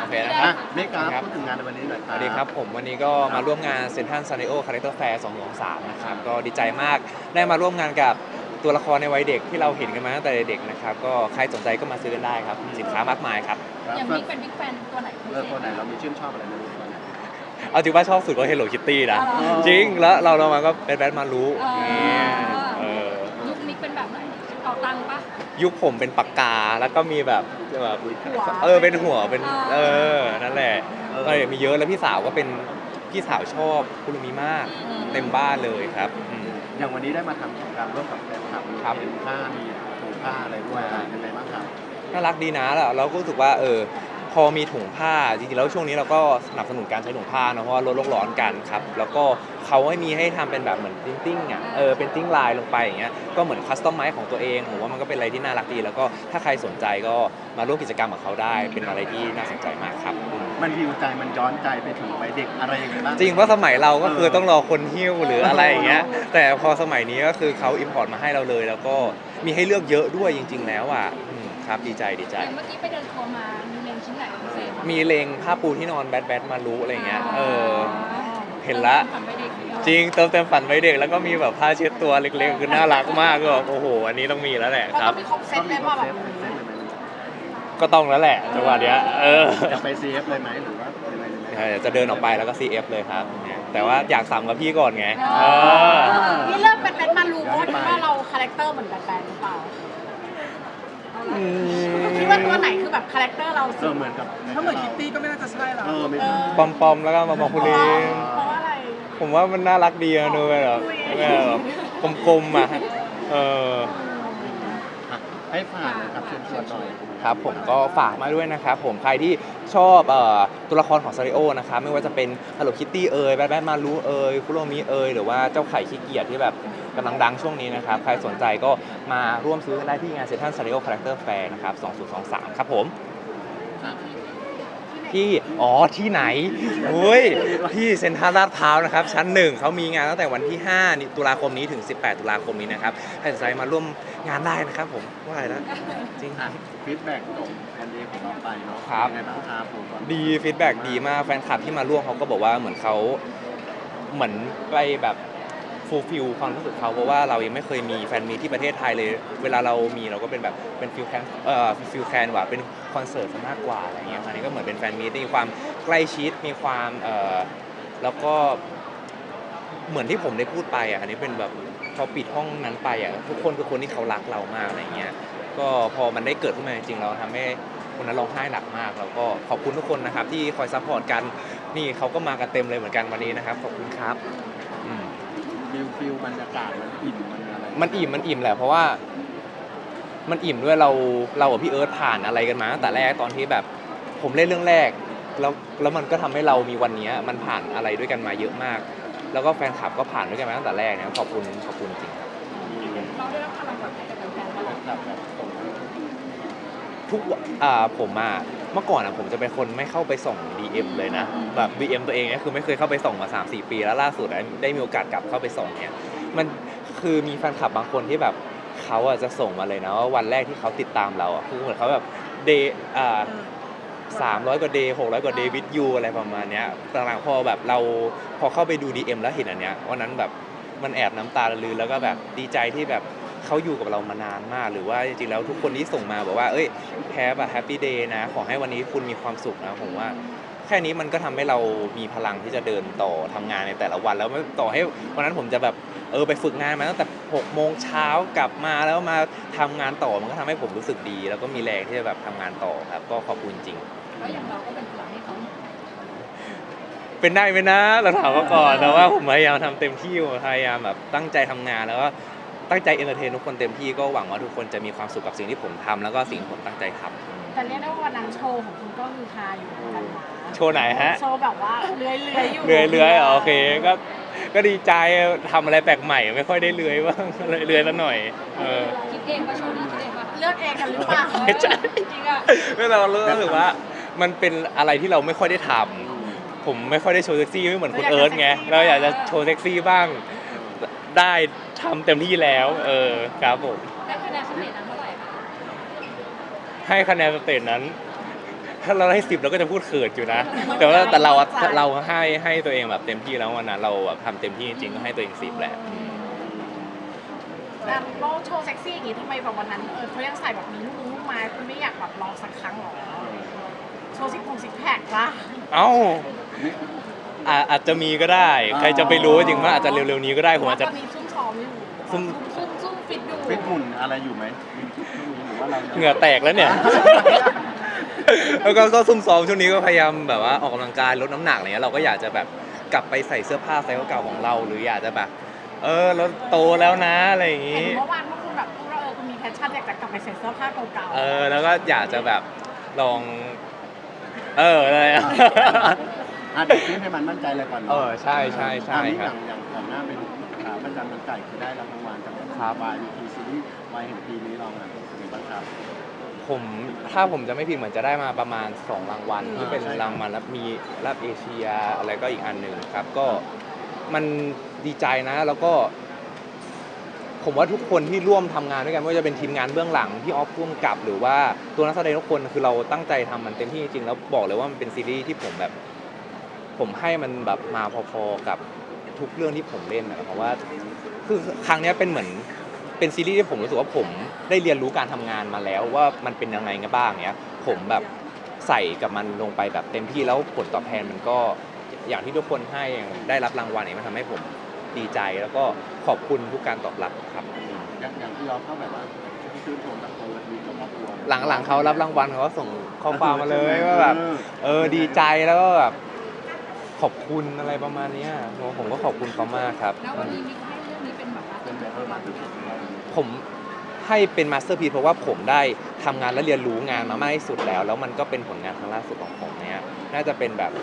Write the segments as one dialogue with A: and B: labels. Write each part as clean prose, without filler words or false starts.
A: เคนะครับ
B: นี่ค
A: ค
B: รั
A: รั
B: บบ พูดถึงงานในวันนี้หน่อยค
A: ส
B: รับ
A: วัสดีครับผมวันนี้ก็มาร่วมงานเซ็นทรัลซานริโอคาแรคเตอร์แฟร์2023นะครับก็ดีใจมากได้มาร่วมงานกับตัวละครในวัยเด็กที่เราเห็นกันมาตั้งแต่เด็กนะครับก็ใครสนใจก็มาซื้อกันได้ครับสินค้ามากมายครับ
C: อย่างบิ๊กเป็นบิ๊กแฟนตัวไหนพิเศษ
B: ตัวไหนเรามีชื่นชอบอะไรในตัวไหน
A: เอาจริงว่าชอบสุดก็ Hello Kitty นะ
C: อ๋อ
A: จริงแล้วเรามาก็เป็นแบทมารู้
C: อ๋อ
A: เนี่ยเออ
C: ยุคมิกเป็นแบบไหนเอาตังค์ปะ
A: ยุคผมเป็นปากกาแล้วก็มีแบบ
C: หัว
A: เป็นหัวเป็น
C: อ่า
A: นั่นแหละก็มีเยอะแล้วพี่สาวก็เป็นพี่สาวชอบคุรุมิมากเต็มบ้านเลยครับอืม
B: อย่างวันนี้ได้มาทำกิจกรรมร่วมกับแฟนคลับมี
A: ครับ
B: เห็นผ้ามีถุงผ้าอะไรด้วยยังไงบ้างครับ
A: น่ารักดีนะแล้วเราก็รู้สึกว่าพอมีถุงผ้าจริงๆแล้วช่วงนี้เราก็สนับสนุนการใช้ถุงผ้านะเพราะว่าลดโลกร้อนกันครับแล้วก็เขาให้มีให้ทำเป็นแบบเหมือนติ้งอ่ะเป็นติ้งลายลงไปอย่างเงี้ยก็เหมือนคัสตอมไมซ์ของตัวเองผมว่ามันก็เป็นอะไรที่น่ารักดีแล้วก็ถ้าใครสนใจก็มาร่วมกิจกรรมกับเขาได้เป็นอะไรที่น่าสนใจมากครับอืม
B: มันฮิวใจมันย้อนใจไปถึงวัยเด็กอะไรยังไงบ้าง
A: จริงเพราะสมัยเราก็คือต้องรอคนหิ้วหรืออะไรอย่างเงี้ยแต่พอสมัยนี้ก็คือเขาอิมพอร์ตมาให้เราเลย แล้วก็มีให้เลือกเยอะด้วยจริง ๆ แล้วอ่ะครับดีใจ
C: อย่างเมื่อกี้ไปเดินทัวร์มามีเลงชิ้นไหนเป็นพิเศษ
A: มีเลงผ้าปูที่นอนแบทมารู้อะไรเงี้ยเห็นละ
C: ฝันไปเด็ก
A: จริงเติมเต็มฝันไว้เด็กแล้วก็มีแบบผ้าเช็ดตัวเล็กๆคือน่ารักมากก็แบบโอ้โหอันนี้ต้องมีแล้วแหละ
C: แล้ว
A: ครั
C: ก็
A: บ
C: มีครบเซ็ตเลยว่าแบบ
B: เซ็ตเลยไหม
A: ก็ต้องแล้วแหละจังหวะเนี้ย
B: จะไป CF เลยไหมหรือว่ายังไง
A: จะเดินออกไปแล้วก็ CF เลยครับเนี่ยแต่ว่าอยากสั่งกับพี่ก่อนไง
C: นี่เลิกเป็นแบทมารูเพราะว่าเราคาแรคเตอร์เหมือนแบทแมนหรือเปล่าคิดว่าตัวไหนคือแบบคาแรคเตอร์เราสุด
B: เหมือนกับ
D: ถ้าเหมือนคิตตี้ก็ไม่น่าจะใช่หรอ
B: ไม่ใช่
A: ปอมๆแล้วก็มาบอกคุณลิง
C: เพราะว่าอะไร
A: ผมว่ามันน่ารักดีนะดูแบบกลมๆอ่ะ
B: ให้ฝากนะครับเชิญชวนหน่อย
A: ครับผมก็ฝากมาด้วยนะครับผมใครที่ชอบตัวละครของซาริโอนะครับไม่ว่าจะเป็น Hello Kitty แบทมารู้คุโรมิหรือว่าเจ้าไข่ขี้เกียจที่แบบกำลังดังช่วงนี้นะครับใครสนใจก็มาร่วมซื้อกันได้ที่งานเซ็นทรัลซาริโอคาแรคเตอร์แฟร์นะครับ2023ครับผมที่ไหนที่เซ็นทรัลลาดพร้าวนะครับชั้น1เขามีงานตั้งแต่วันที่5ตุลาคมนี้ถึง18ตุลาคมนี้นะครับใครสนใจมาร่วมงานได้นะครับผมว่าอะไรนะจริง
B: ฟีดแบ็กของแฟนเดย์ของเราไปเนาะ
A: ครับ
B: ยังไงบ้างครับผม
A: ดีฟีดแบ็กดีมากแฟนคลับที่มาร่วมเขาก็บอกว่าเหมือนเขาเหมือนไปแบบฟูลฟิลความรู้สึกเขาเพราะว่าเรายังไม่เคยมีแฟนมีตที่ประเทศไทยเลยเวลาเรามีเราก็เป็นแบบเป็นฟิลแคนว่าเป็นคอนเสิร์ตซะมากกว่าอะไรเงี้ยคราวนี้ก็เหมือนเป็นแฟนมีตที่มีความใกล้ชิดมีความแล้วก็เหมือนที่ผมได้พูดไปอ่ะอันนี้เป็นแบบพอปิดห้องนั้นไปอ่ะทุกคนคือคนที่เขารักเรามากอะไรเงี้ยก็พอมันได้เกิดขึ้นมาจริงๆเราทำให้คนนั้นร้องไห้หนักมากแล้วก็ขอบคุณทุกคนนะครับที่คอยซัพพอร์ตกันนี่เขาก็มากันเต็มเลยเหมือนกันวันนี้นะครับขอบคุณครับ
B: ฟิลบรรยากาศมันอิ่มมันอะไร
A: มันอิ่มแหละเพราะว่ามันอิ่มด้วยเรากับพี่เอิร์ธผ่านอะไรกันมาตั้งแต่แรกตอนที่แบบผมเล่นเรื่องแรกแล้วมันก็ทำให้เรามีวันนี้มันผ่านอะไรด้วยกันมาเยอะมาก แล้วก็แฟนคลับก็ผ่านด้วยกันมาตั้งแต่แรกนะขอบคุณจริงครับ
C: เราได้รับพลังแบบไหนจากแฟนๆบ้าง
B: แบบส่ง
A: ทุกผมเมื่อก่อนผมจะเป็นคนไม่เข้าไปส่อง DM เลยนะแบบ DM ตัวเองเนี่ยคือไม่เคยเข้าไปส่องมา 3-4 ปีแล้วล่าสุดได้มีโอกาสกลับเข้าไปส่องเนี่ยมันคือมีแฟนคลับบางคนที่แบบเขาจะส่งมาเลยนะว่าวันแรกที่เขาติดตามเราคือเหมือนเขาแบบเดย์300 กว่าเดย์600 กว่าเดย์วิดยูอะไรประมาณเนี้ยหลังๆพอแบบเราพอเข้าไปดู DM แล้วเห็นอันเนี้ยวันนั้นแบบมันแอบน้ำตาลื้นแล้วก็แบบดีใจที่แบบเขาอยู่กับเรามานานมากหรือว่าจริงๆแล้วทุกคนที่ส่งมาบอกว่าแฮปปี้เดย์นะขอให้วันนี้คุณมีความสุขนะผมว่าแค่นี้มันก็ทำให้เรามีพลังที่จะเดินต่อทำงานในแต่ละวันแล้วไม่ต่อให้วันนั้นผมจะแบบไปฝึกงานมาตั้งแต่6 โมงเช้ากลับมาแล้วมาทำงานต่อมันก็ทำให้ผมรู้สึกดีแล้วก็มีแรงที่จะแบบทำงานต่อครับก็ขอบคุณจริง
C: แล้วอย่างเราก็เป็นพลังให้เขา
A: เป็นได้ไหมนะเราถามเขาก่อนแต่ว่าผมพยายามทำเต็มที่พยายามแบบตั้งใจทำงานแล้วก็ตั้งใจเอนเตอร์เทนทุกคนเต็มที่ก็หวังว่าทุกคนจะมีความสุขกับสิ่งที่ผมทำแล้วก็สิ่งที่ผมตั้งใจทำ
C: แต่เรียกได้ว่าวันนั้นโชว์ของคุณก็คือฮาอยู่เหมือนกันนะ
A: โชว์ไหนฮะ
C: โชว์แบบว่าเลื้อยอยู่
A: เลื้อยโอเคก็ดีใจทำอะไรแปลกใหม่ไม่ค่อยได้เลื้อยบ้างเลยเลื้อยแล้วหน่อย
C: คิดเองว่าโชว์นี้คิดเองว่าเลือกเองกันหรือเปล่า
A: ไม่ใช่
C: จริงอ่ะ
A: เรารู้สึกว่ามันเป็นอะไรที่เราไม่ค่อยได้ทำผมไม่ค่อยได้โชว์เซ็กซี่ไม่เหมือนคุณเอิร์ธไงเราอยากจะโชว์เซ็กซี่บ้างได้ทำเต็มที่แล้วครับผม
C: ได้คะแนนสเตจนั้นเท่าไหร่คะ
A: ให้คะแนนสเตจนั้นถ้าเราให้10เราก็จะพูดเขินอยู่นะ แต่ว่าแต่เราให้ตัวเองแบบเต็มที่แล้ววันนั้นเราแบบทำเต็มที่จริงๆก็ให้ตัวเอง10แหละ
C: แล้วเราโชว์เซ็กซี่อย่างงี้ทำไมแบบวันนั้นเขายังใส่แบบมีลูกไม้คุณไม่อยากแบบลองสักครั้งหรอโชว์ซิกแพคละ
A: เอ้าอาจจะมีก็ได้ ใครจะไปรู้จริงว่าอาจจะเร็วๆนี้ก็ได้ผมอาจจะ
C: ตอนนี้ซุ่มซ้อมอยู่
A: ซุ่ม
C: ซุ่มฟิตอยู่
B: ฟิตหุ่นอะไรอยู่ไหมมีช่วงนี้หรือว่าเรายัง
A: เหงื่อแตกแล้วเนี่ย แล้วก็ซุ่มซ้อมช่วงนี้ก็พยายามแบบว่าออกกำลังกายลดน้ำหนักอะไรเงี้ยเราก็อยากจะแบบกลับไปใส่เสื้อผ้าไซส์เก่าๆของเรา หรืออยากจะแบบเราโตแล้วนะอะไรอย่าง
C: เห็
A: งี้
C: นเมื่อวานว่าคุณแบบพูดว่าคุณมีแพชชั่นอยากจะกลับไปใส่เสื้อผ้าเก่าๆ
A: แล้วก็อยากจะแบบลองอะไรอะ
B: เดี๋ยวฟิตให้มันมั่นใจเลยก่อนเนาะ
A: ใช่ใช่ใช่
B: อันนี้
A: ครับ
B: อย่างก่อนหน้าเป็นขาประจำมันไก่คือได้รับรางวัลจาก
A: ครับ
B: YBT ซีรีส์วายแห่งปีนี้เราเนี่ยเป็นไงบ้างครับ
A: ถ้าผมจะไม่ผิดเหมือนจะได้มาประมาณ2รางวัลที่เป็น
B: ใช่ครับ
A: รางวัลแล้วมีรับเอเชียอะไรก็อีกอันหนึ่งครับ ก็มันดีใจนะแล้วก็ ผมว่าทุกคนที่ร่วมทำงานด้วยกันไม่ว่าจะเป็นทีมงานเบื้องหลังพี่ออฟร่วมกับหรือว่าตัวนักแสดงทุกคนคือเราตั้งใจทำมันเต็มที่จริงๆแล้วบอกเลยว่ามันเป็นซีรีส์ที่ผมให้มันแบบมาพอๆกับทุกเรื่องที่ผมเล่นนะเพราะว่าคือครั้งนี้เป็นเหมือนเป็นซีรีส์ที่ผมรู้สึกว่าผมได้เรียนรู้การทำงานมาแล้วว่ามันเป็นยังไงกันบ้างเนี้ยผมแบบใส่กับมันลงไปแบบเต็มที่แล้วผลตอบแทนมันก็อย่างที่ทุกคนให้ได้รับรางวัลเนี่ยมันทำให้ผมดีใจแล้วก็ขอบคุณทุกการตอบรับครับ
B: อย่างที่เราเข้าแบบว่าชื่นชมกับตัวมีกับครอบครัว
A: หลังๆเขารับรางวัลเขาก็ส่งข้อความมาเลยว่าแบบดีใจแล้วก็แบบขอบคุณอะไรประมาณเนี้ยผมก็ขอบคุณเขามากครับ
C: แล้ววันนี้มีให้เรื่องนี้เป็นแบบว่า
B: เป็นแบบมาถึงเรา
A: ผมให้เป็นมาสเตอร์พีซเพราะว่าผมได้ทำงานและเรียนรู้งานมามากที่สุดแล้วมันก็เป็นผลงานครั้งล่าสุดของผมเนี่ยน่าจะเป็นแบบ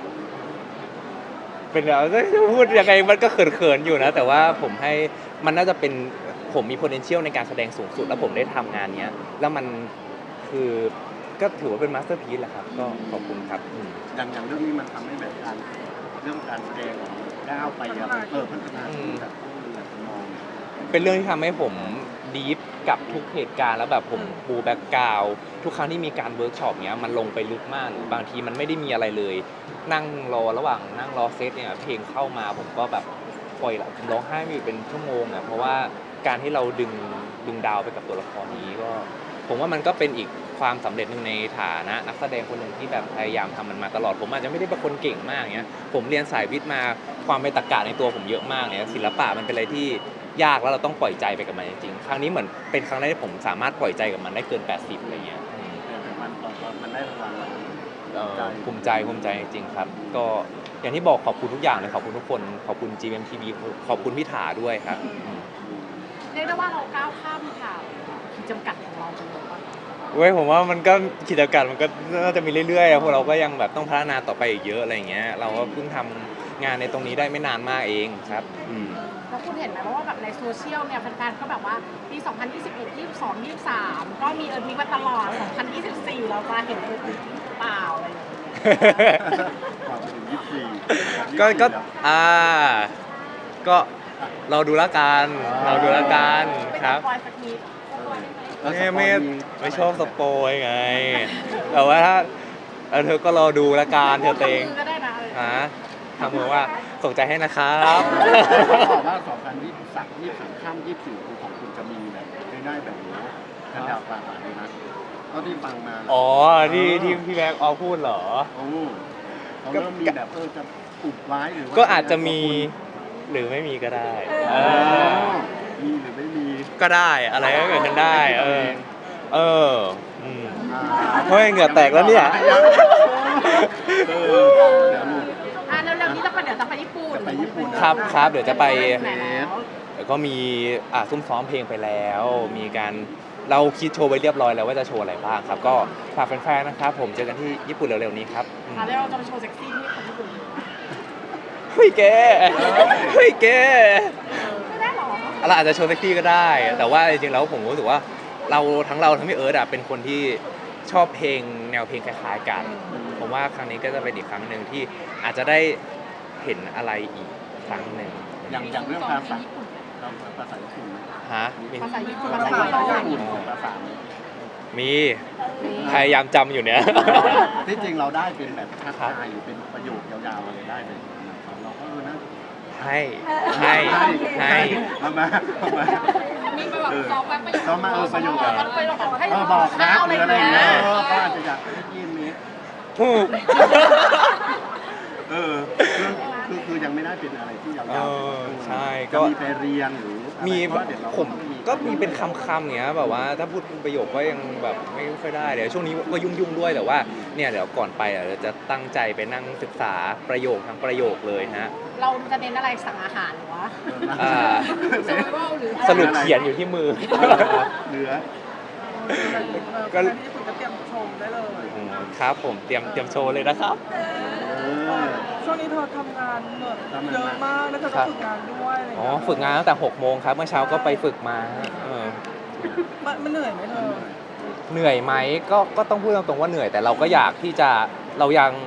A: จะพูดยังไงมันก็เขินๆอยู่นะแต่ว่าผมให้มันน่าจะเป็นผมมี potential ในการแสดงสูงสุดแล้วผมได้ทำงานเนี้ยแล้วมันคือก็ถือว่าเป็นมาสเตอร์พีซแหละครับก็ขอบคุณครับ
B: อย่างเรื่องนี้มันทำให้แบบเรื่องการแสดงของก้าวไปแล้วพัฒนาที่แบบมอง
A: เป็นเรื่องที่ทำให้ผมดีฟกับทุกเหตุการณ์แล้วแบบผมปูแบ็กกราวด์ทุกครั้งที่มีการเวิร์กช็อปเนี้ยมันลงไปลึกมากหรือบางทีมันไม่ได้มีอะไรเลย นั่งรอระหว่างนั่งรอเซตเนี่ยเพลงเข้ามาผมก็แบบปล่อยผมร้องไห้ไม่อยู่เป็นชั่วโมงอ่ะเพราะว่าการที่เราดึงดาวไปกับตัวละครนี้ก็ผมว่ามันก็เป็นอีกความสำเร็จหนึ่งในฐานะนักแสดงคนหนึ่งที่แบบพยายามทำมันมาตลอดผมอาจจะไม่ได้เป็นคนเก่งมากเนี้ยผมเรียนสายวิทย์มาความเป็นตรรกะในตัวผมเยอะมากเนี่ยศิลปะมันเป็นอะไรที่ยากแล้วเราต้องปล่อยใจไปกับมันจริงๆครั้งนี้เหมือนเป็นครั้งแรกที่ผมสามารถปล่อยใจกับมันได้เกิน80อะไรเงี้ย
B: แต่มันตอนมันได้รางวัลเรา
A: ภูมิใจจริงๆครับก็อย่างที่บอกขอบคุณทุกอย่างเลยขอบคุณทุกคนขอบคุณ GMMTV ขอบคุณพี่ถาด้วยครับ
C: เรียกได้ว่าเราก้าวข้ามค่ะขีดจำกัดของเราไปเลยว่า
A: เว้ยผมว่ามันก็กิจการมันก็น่าจะมีเรื่อยๆพวกเราก็ยังแบบต้องพัฒนาต่อไปอีกเยอะอะไรอย่างเงี้ยเราก็เพิ่งทำงานในตรงนี้ได้ไม่นานมากเองครับ
C: แล้วคุณเห็นไหมว่าแบบในโซเชียลเนี่ยแฟนๆก็แบบว่าปี 2021 22 23 ก็มีมีมาตลอด 2024 เราจะเห็นเปล่าอะไรอย่างเงี้ย
B: ความเป็น24
A: ก็ก็เราดูละกันครับ
C: ไม่ต้องปล่อยสักนิด
A: ไม่ชอบสปอยไงแต่ว่าถ้าเธอก็รอดูละกันเธอเตง
C: ทำมือก็ได้นะ
A: ทำมือว่าส่งใจให้นะครับ
B: บอกว่า2023 23ข้าม24คือของคุณจะมีแบบได้แบบนี้กันดาวปลาเลยนะเท่าที่ฟังมา
A: อ๋อที่พี่แม็กออพูดเหรอ
B: โอ้เขาเริ่มมีแบบจะอุบไว้หรือว่า
A: ก็อาจจะมีหรือไม่มีก็ได้
B: มีหรือไม่มี
A: ก็ได้อะไรก็เกิดขึ้นได้เฮ้ยเหงื่อแตกแล้วเนี่ย
B: เดี๋ยวลูก
C: เร็วๆนี้จะไปญี่ปุ่น
B: จะไปญี่ปุ่น
A: ครับเดี๋ยวจะไป
C: ไหนแล้ว
A: แล้วก็มีซุ่มซ้อมเพลงไปแล้ว มีการเราคิดโชว์ไว้เรียบร้อยแล้วว่าจะโชว์อะไรบ้างครับ ก็ฝากแฟนๆนะครับผมเจอกันที่ญี่ปุ่นเร็วๆนี้ครับ
C: ค่ะแล้วเราจะไปโชว์เซ็กซี่ที่คนญี่ปุ่น
A: เฮ้ยแก
C: ไม่ได้หรอ
A: เราอาจจะโชว์เซ็กซี่ก็ได้ แต่ว่าจริงๆแล้วผมรู้สึกว่าเราทั้งพี่เอิร์ธเป็นคนที่ชอบเพลงแนวเพลงคล้ายๆกันผมว่าครั้งนี้ก็จะเป็นอีกครั้งหนึ่งที่อาจจะได้เห็นอะไรอีกครั้งหนึ่ง
B: อย่างเรื่องภาษาภาษาญี่ปุ่น
A: ฮะ
C: ภาษาญี่ปุ่น
B: ภาษาญี่ปุ่นภาษา
A: มีพยายามจำอยู่เนี่ย
B: ที่จริงเราได้เป็นแบบทักทายหรือเป็นประโยคยาวๆอะไรได้เลยเราก็นะ
A: ให้
B: เอามา
C: มีไปแบบซ้อมแบบประโยค
B: ซ้อมมาประโยค
C: มันประโยคให้
B: บอกนะ
C: ข้าว
B: หรืออะไรอย่าง
C: เงี้
B: เงี้
C: ย
B: ยก็อาจจะอยากได้ยินนี้
A: ถูก
B: คือยังไม่ได้เป็นอะไรที่ยาว
A: เออใช่ก็
B: ก็มีไปเรียนหรืออะไร
A: มี
B: เพราะเดี๋ยวเรา
A: ผมก็มีเป็นคำเนี้ยแบบว่าถ้าพูดเป็นประโยคก็ยังแบบไม่ค่อยได้เดี๋ยวช่วงนี้ก็ยุ่งด้วยแต่ว่าเนี่ยเดี๋ยวก่อนไปเราจะตั้งใจไปนั่งศึกษาประโยคทั้งประโยคเลยฮะ
C: เราจะเน้นอะไรสั่งอาหารหรือวะ
A: อ่า
C: survival หรือ
A: สรุปเขียนอยู่ที่มือ
B: เหลือ
D: ก็ที่ญี่ปุ่นก็เตรียมชมได้เลย
A: อืมครับผมเตรียมโชว์เลยนะครับ
D: ช่วงนี้เธอทำงานเหนื่อยเยอะมากแล้วเธอก็ฝึกงานด้วยอะไรอย่าง
A: อ๋อ
D: เงี้ย
A: ฝึกงานตั้งแต่6 โมงครับเมื่อเช้าก็ไปฝึกมาฮะ
D: มันเหนื่อยไหมเธอ
A: เหนื่อยไหมก็ต้องพูดตรงๆว่าเหนื่อยแต่เราก็อยากที่จะเรา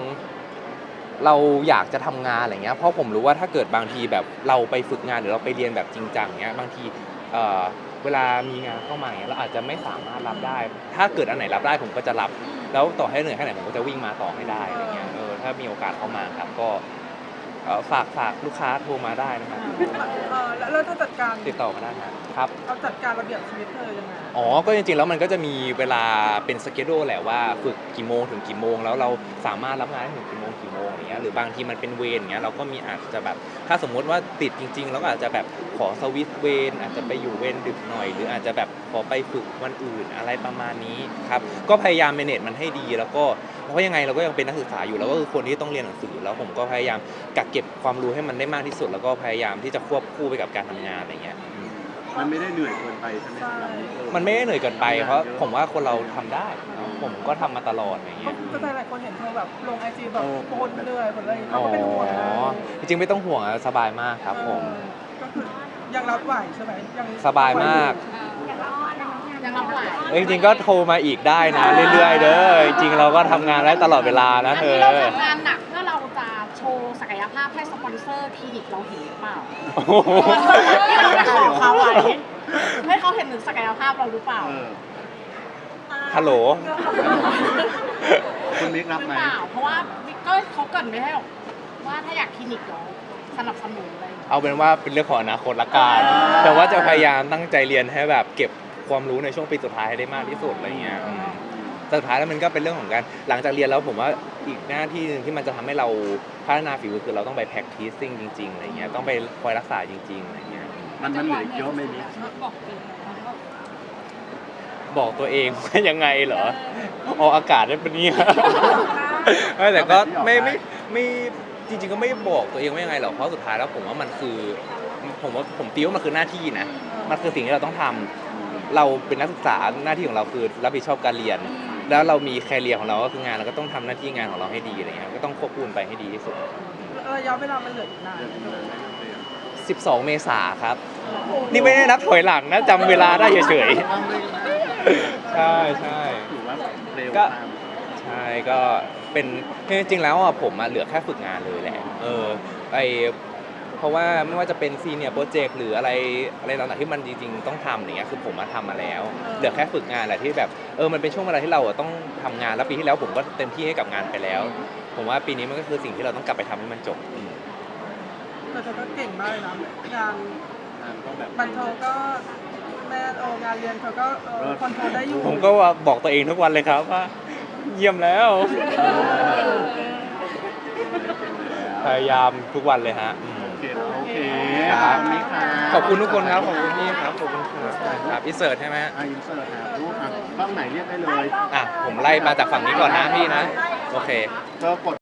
A: อยากจะทำงานอะไรเงี้ยเพราะผมรู้ว่าถ้าเกิดบางทีแบบเราไปฝึกงานหรือเราไปเรียนแบบจริงจังเงี้ยบางทีเวลามีงานเข้ามาเงี้ยเราอาจจะไม่สามารถรับได้ ถ้าเกิดอันไหนรับได้ผมก็จะรับแล้วต่อให้เหนื่อยแค่ไหนผมก็จะวิ่งมาต่อให้ได้อะไรเงี้ยถ้ามีโอกาสเข้ามาครับก็ฝากลูกค้าโทรมาได้นะครับ
D: แล้วเธอจัดการ
A: ติดต่อมาได้นะครับ
D: เอาจัดการระเบียบชีวิตเธอยังไง
A: อ๋อ ก็จริงๆ แล้วมันก็จะมีเวลาเป็นสเกจโดแหละว่าฝึกกี่โมงถึงกี่โมงแล้วเราสามารถรับงานได้ถึงกี่โมงอย่างเงี้ยหรือบางทีมันเป็นเวรอย่างเงี้ยเราก็มีอาจจะแบบถ้าสมมติว่าติดจริงๆแล้วก็อาจจะแบบขอสวิตช์เวรอาจจะไปอยู่เวรดึกหน่อย หรืออาจจะแบบขอไปฝึกวันอื่นอะไรประมาณนี้ครับก็พยายามเมเนจมันให้ดีแล้วก็เพราะยังไงเราก็ยังเป็นนักศึกษาอยู่แล้วก็คือคนที่ต้องเรียนหนังสือแล้วผมก็พยายามกักเก็บความรู้ให้มันได้มากที่สุด แล้วก็พยายามที่จะควบคู่ไปกับการทำงานอะไรเงี้ย
B: มันไม่ได้เหนื่อยเกินไปใช่ไหม
D: ใช่
A: มันไม่ได้เหนื่อยเกินไปเพราะผมว่าคนเราทำได้ ผมก็ทำมาตลอดอย่างเงี้ย
D: ก็หลายคนเห็นเธอแบบลงไอจีแบบคนเหนื่อยคนอะไรเขา
A: อ๋อ
D: ก็เป็นห่วงนะ
A: จริงๆไม่ต้องห่วงอะสบายมากครับผม
D: ก็คือยังรับไหวใช่ไหมยัง
A: สบายมาก
C: ยังรับไหว
A: จริงๆก็โทรมาอีกได้นะเรื่อยๆเด้อจริงๆเราก็ทำงานได้ตลอดเวลานะ
C: อัน
A: เธ
C: นี้
A: อ
C: เราทำงานหนักเพื่อเราจะโชว์ศักยภาพให้สปอนเซอร์คลินิกเราเห็นหรือเปล่า
A: โอ้โห
C: ที่เราจะขอเขาไว้ให้เขาเห็นถึงศักยภาพเราหรือเปล่า
A: ฮัลโหล
B: คุณมิกรับ
C: หรือ
B: ไหม
C: เปล่า เพราะว่าก็เขาเกรินไม่ให้หรอกว่าถ้าอยากคลินิกเราสนับสนุนอะไรอย่างเงี้ย
A: เอาเป็นว่าเป็นเรื่องของอนาคตละกันแต่ว่าจะพยายามตั้งใจเรียนให้แบบเก็บความรู้ในช่วงปีสุดท้ายให้ได้มากที่สุดอะไรเงี้ยแต่สุดท้ายแล้วมันก็เป็นเรื่องของการหลังจากเรียนแล้วผมว่าอีกหน้าที่หนึงที่มันจะทำให้เราพัฒนาฝีมือคือเราต้องไป practicing จริงๆอะไรเงี้ยต้องไปคอยรักษาจริงๆอะไรเงี้ย
B: มันเหนื่อยเยอะไหมมิก
A: บอกตัวเองว่ายังไงเหรอออกอากาศได้ปะเนี่ยไม่แต่ก็ไม่จริงๆก็ไม่บอกตัวเองว่ายังไงหรอกเพราะสุดท้ายแล้วผมว่ามันคือผมตีว่ามันคือหน้าที่นะมันคือสิ่งที่เราต้องทำเราเป็นนักศึกษาหน้าที่ของเราคือรับผิดชอบการเรียน แล้วเรามีแคเรียร์ของเราก็คืองานเราก็ต้องทำหน้าที่งานของเราให้ดีอะไรเงี้ยก็ต้องควบคุมไปให้ดีที่สุด
D: ระยะเวลามันเหลืออีกนาน
A: 12 เมษาครับ นี่ไม่ได้นับถอยหลังนะจำเวลาได้เฉยๆใช่ใช่
B: ถือว่าเร็ว
A: ก็
B: ตาม
A: ใช่ก็เป็นจริงๆแล้วอ่ะผมเหลือแค่ฝึกงานเลยแหละเพราะว่าไม่ว่าจะเป็นซีเนียร์โปรเจกต์หรืออะไรต่างๆที่มันจริงๆต้องทำอย่างเงี้ยคือผมมาทำมาแล้ว เหลือแค่ฝึกงานแหละที่แบบมันเป็นช่วงเวลาที่เราต้องทำงานแล้วปีที่แล้วผมก็เต็มที่ให้กับงานไปแล้ว ผมว่าปีนี้มันก็คือสิ่งที่เราต้องกลับไปทำให้มันจบ
D: แต่เธอก็เก่งมากเลยนะงาน
B: ก็แบบ
D: บันเทิงก็แม่งานเรียนเธอก็คอนโทรลได้อยู่
A: ผมก็บอกตัวเองทุกวันเลยครับว่าเยี่ยมแล้ว พยายามทุกวันเลยฮะ
B: โอเค
A: ครับ
B: มิกครับ
A: ขอบคุณทุกคนครับขอบคุณพี่ครับขอบคุณครับอินเสิร์ตใช่ไหม
B: อินเสิร์ตครับรูปกล้องไหนเรียกได้เลย
A: ผมไล่มาจากฝั่งนี้ก่อนนะพี่นะโอเค
B: ก็กด